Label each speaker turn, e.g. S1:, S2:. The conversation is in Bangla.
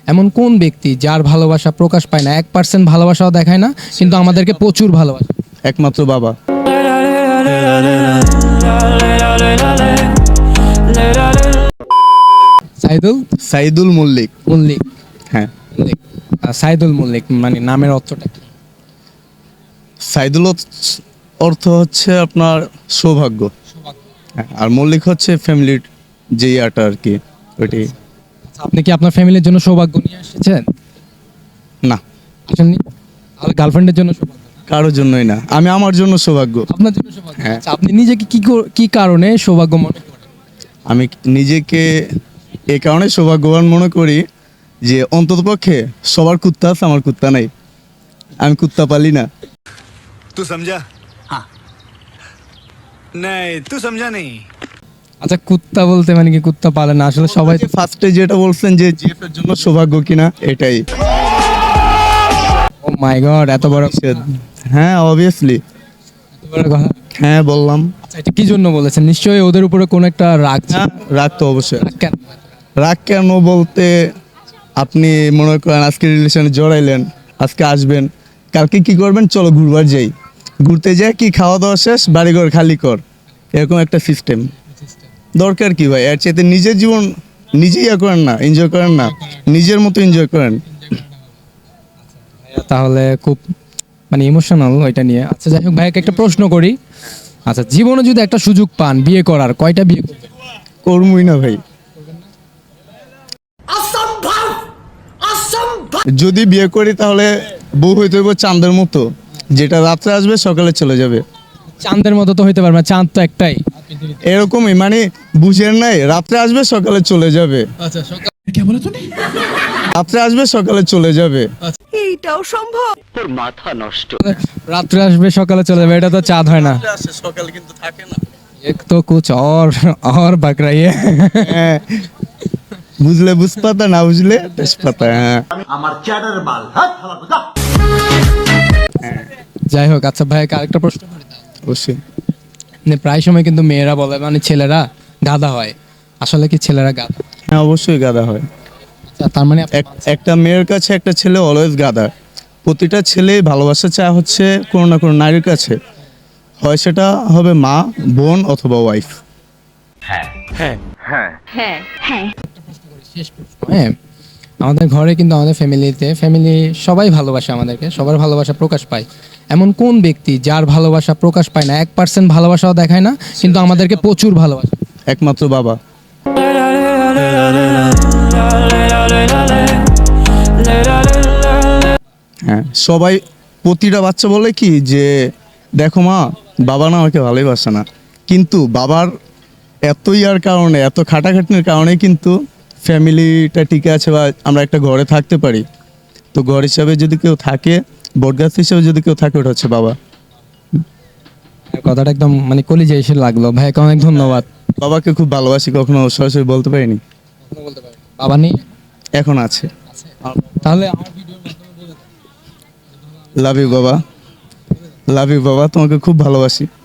S1: এমন কোন ব্যক্তি যার ভালোবাসা প্রকাশ পায় না, 1% ভালোবাসাও দেখায় না, কিন্তু আমাদেরকে প্রচুর ভালোবাসে?
S2: একমাত্র বাবা।
S1: সাইদুল
S2: সাইদুল মল্লিক।
S1: মল্লিক।
S2: হ্যাঁ,
S1: মল্লিক। সাইদুল মল্লিক মানে নামের অর্থটা কি?
S2: সাইদুল অর্থ হচ্ছে আপনার সৌভাগ্য। হ্যাঁ, আর মল্লিক হচ্ছে ফ্যামিলির যে ইয়াটা আর কি, ওইটাই।
S1: আপনি কি আপনার ফ্যামিলির জন্য সৌভাগ্য নিয়ে এসেছেন?
S2: না,
S1: আসেননি? আর গার্লফ্রেন্ডের জন্য সৌভাগ্য?
S2: কারোর জন্যই না, আমি আমার জন্য সৌভাগ্য।
S1: আপনার জন্য সৌভাগ্য।
S2: হ্যাঁ।
S1: আচ্ছা, আপনি নিজেকে কি কারণে সৌভাগ্য মনে করেন?
S2: আমি নিজেকে এই কারণে সৌভাগ্যবান মনে করি যে অন্ততপক্ষে সবার কুত্তা আছে, আমার কুত্তা নাই। আমি কুত্তা পালি না।
S3: तू समझा? हाँ नहीं तू समझा नहीं।
S1: আচ্ছা, কুত্তা বলতে মানে কি কুত্তা পালে না? আসলে সবাই তো
S2: ফার্স্টে যেটা বলছেন যে জিএফ এর জন্য সৌভাগ্য কিনা, এটাই।
S1: ও মাই গড, এত বড়
S2: হ্যাঁ, অবভিয়াসলি।
S1: কথা।
S2: হ্যাঁ, বললাম।
S1: আচ্ছা, এটা কি জন্য বলেছেন? নিশ্চয়ই ওদের উপরে কোন একটা রাগ ছিল।
S2: হ্যাঁ, রাগ তো অবশ্যই।
S1: রাগ কেন?
S2: রাগ কেন বলতে, আপনি মনে করেন আজকে রিলেশনে জড়াইলেন, আজকে আসবেন, কালকে কি করবেন, চলো ঘুরবার যাই, ঘুরতে যাই কি খাওয়া দাওয়া শেষ, বাড়িঘর খালি কর, এরকম একটা সিস্টেম। দরকার কি ভাই? এর চাইতে নিজের জীবন নিজেই ইয়া করেন না, এনজয় করেন না, নিজের মতো এনজয় করেন।
S1: তাহলে খুব মানে ইমোশনাল ওইটা নিয়ে। আচ্ছা, যাই হোক, ভাইকে একটা প্রশ্ন করি। আচ্ছা, জীবনে যদি একটা সুযোগ পান বিয়ে করার, কয়টা বিয়ে করবেন?
S2: করবই না ভাই। যদি বিয়ে করি তাহলে বউ হইতে হইব চাঁদের মতো, যেটা রাত্রে আসবে সকালে চলে যাবে।
S1: চাঁদের মতো তো হইতে পারবে না, চাঁদ তো একটাই।
S2: এরকমই মানে, বুঝেন নাই, রাত্রে আসবে সকালে চলে যাবে।
S1: আচ্ছা, সকাল
S2: রাত্রে আসবে সকালে চলে যাবে।
S4: এইটাও সম্ভব?
S1: রাত্রে আসবে সকালে চলে যাবে, এটা তো চাঁদ হয় না।
S2: সকালে কিন্তু থাকে না।
S1: এক তো কুছ और बक रही है।
S2: হ্যাঁ, বুঝলে বুঝ পাতা, না বুঝলে তেজপাতা। হ্যাঁ,
S1: যাই হোক, আচ্ছা ভাইকে আরেকটা প্রশ্ন করি।
S2: অবশ্যই।
S1: মানে প্রায় সময় কিন্তু মেয়েরা বলে মানে ছেলেরা গাধা হয়, আসলে কি ছেলেরা গাধা?
S2: হ্যাঁ, অবশ্যই গাধা হয়।
S1: আচ্ছা, তার মানে
S2: একটা মেয়ের কাছে একটা ছেলে অলওয়েজ গাধা। প্রতিটা ছেলে ভালোবাসা চায় হচ্ছে কোনো না কোনো নারীর কাছে, হয় সেটা হবে মা, বোন অথবা ওয়াইফ।
S1: হ্যাঁ, আমাদের ঘরে কিন্তু আমাদের ফ্যামিলি সবাই ভালোবাসে আমাদেরকে, সবার ভালোবাসা প্রকাশ পায়। এমন কোন ব্যক্তি যার ভালোবাসা প্রকাশ পায় না, 1% ভালোবাসাও দেখায় না, কিন্তু আমাদেরকে প্রচুর ভালোবাসে?
S2: একমাত্র বাবা। হ্যাঁ, সবাই, প্রতিটা বাচ্চা বলে কি যে দেখো মা, বাবা না আমাকে ভালোবাসে না, কিন্তু বাবার এত ইয়ার কারণে, এত খাটাখাটনির কারণে কিন্তু ফ্যামিলিটা টিকে আছে বা আমরা একটা ঘরে থাকতে পারি। তো ঘর হিসাবে যদি কেউ থাকে, বটগাছ হিসাবে যদি কেউ থাকে, ওটা হচ্ছে বাবা।
S1: কথাটা একদম মানে কলিজা এসে লাগলো। ভাইকে অনেক ধন্যবাদ।
S2: বাবাকে খুব ভালোবাসি, কখনো সরাসরি বলতে পারিনি।
S1: বাবা নেই?
S2: এখন আছে।
S1: তাহলে আমার ভিডিওর মাধ্যমে বলে দাও।
S2: লাভ ইউ বাবা, লাভ ইউ বাবা, তোমাকে খুব ভালোবাসি।